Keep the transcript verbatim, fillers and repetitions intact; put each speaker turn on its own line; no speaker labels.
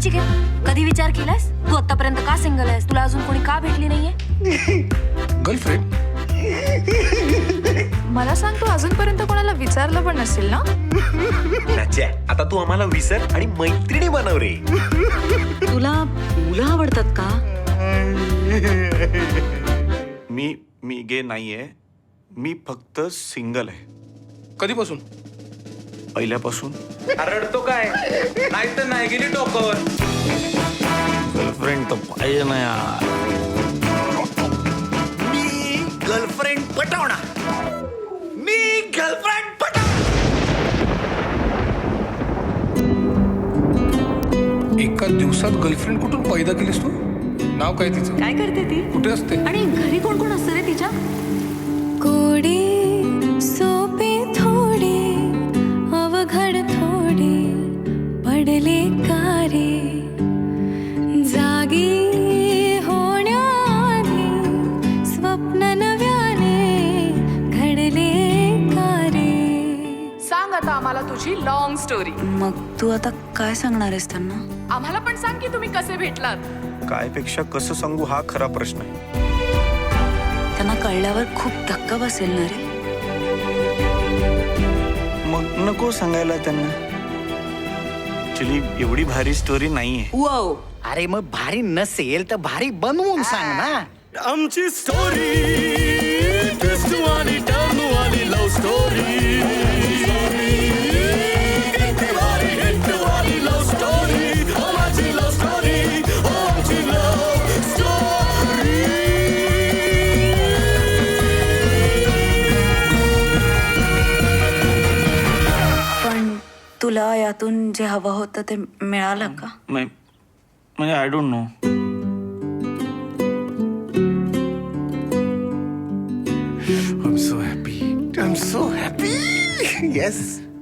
नचिकेत, कधी विचार केलास तू आतापर्यंत का सिंगल आहेस? तुला अजून कोणी का भेटली नाहीये?
गर्लफ्रेंड?
मला सांग, तू अजूनपर्यंत कोणाला विचारलं पण नसेल ना?
नच्या, आता तू आम्हाला विसर आणि मैत्रिणी बनव रे.
तुला मुलं आवडतात का?
मी मी गे नाहीये. मी फक्त सिंगल आहे.
कधीपासून?
पहिल्यापासून.
रडतो काय? नाही तर नाही गेली टोकावर.
गर्लफ्रेंड तर पाहिजे ना यार.
मी गर्लफ्रेंड पटवणार. मी गर्लफ्रेंड पटव.
एका दिवसात गर्लफ्रेंड कुठून पैदा केलीस तू? नाव काय तिचं?
काय करते ती?
कुठे असते?
आणि घरी कोण कोण असतं रे तिच्या?
कोडी सोपे थोडे अवघड थोडे पडले कारे जागी होण्याआधी स्वप्न नव्याने घडले कारे.
सांग आता आम्हाला तुझी लॉंग स्टोरी.
मग तू आता काय सांगणार आहेस त्यांना?
आम्हाला पण सांग की तुम्ही कसे भेटलात.
काय पेक्षा कसं सांगू हा खरा प्रश्न आहे.
त्यांना कळल्यावर खूप धक्का बसेल ना रे.
मग नको सांगायला त्यांना. ऍक्च्युली एवढी भारी स्टोरी नाहीये.
वाव,
अरे मग भारी नसेल तर भारी बनवून सांग ना.
आमची स्टोरी ट्विस्ट वाली टर्न वाली लव स्टोरी. लव स्टोरी माझी लव स्टोरी आमची लव स्टोरी.
पण तुला यातून जे हवं होतं ते मिळालं का?
नाही म्हणजे I don't know.
I'm so happy. I'm so happy. Yes.